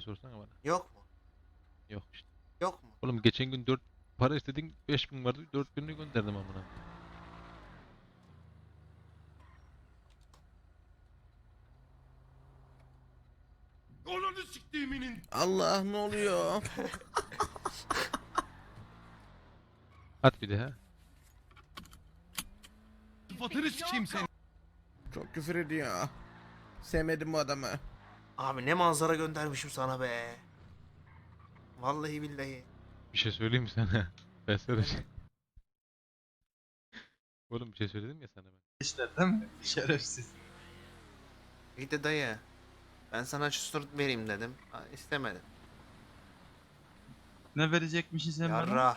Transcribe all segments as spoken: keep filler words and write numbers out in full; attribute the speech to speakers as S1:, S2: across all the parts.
S1: sorsana bana.
S2: Yok mu?
S1: Yok işte.
S2: Yok mu?
S1: Oğlum geçen gün dört para istedin, beş bin vardı, dört binini gönderdim amına.
S3: Ananı siktiğiminin
S4: Allah ne oluyor?
S1: At bir de ha.
S3: sıfatını sikeyim seni.
S4: Çok küfür ediyor. Sevmedim bu adamı.
S2: Abi ne manzara göndermişim sana be. Vallahi billahi.
S1: Bir şey söyleyeyim mi sana? Ben sana şey... Oğlum bir şey söyledim ya sana ben.
S5: İşler değil mi? Şerefsiz.
S2: İyi de dayı. Ben sana çustur vereyim dedim. Ha, istemedin.
S5: Ne verecekmişsin sen bana?
S2: Yarra.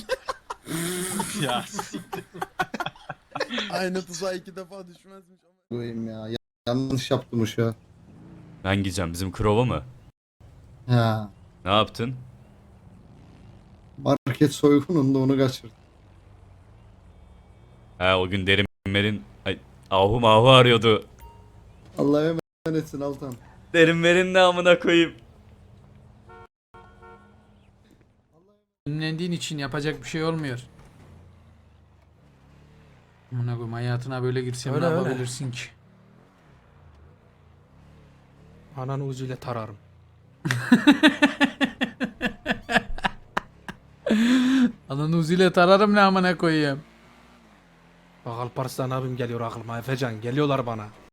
S5: Ya siktir.
S4: Aynı tuzağa iki defa düşmezmiş ama.
S6: Koyayım ya. Ya- Yanlış yaptım uşağı.
S7: Ben gideceğim bizim krova mı?
S6: Ha.
S7: Ne yaptın?
S6: Market soygununda onu kaçırdım.
S7: Ha o gün Derin ay, Ahu Mahu arıyordu.
S6: Allah'a emanetsin Altan.
S7: Derin ne amına koyayım.
S8: Ünlendiğin için yapacak bir şey olmuyor. Amına koyayım, hayatına böyle girsem
S9: Öyle,
S8: ne
S9: öyle.
S8: yapabilirsin ki?
S9: Ananı uzuyla tararım.
S8: Ananı uziyle tararım ne amına koyayım.
S9: Bak Alparslan abim geliyor aklıma. Efecan geliyorlar bana.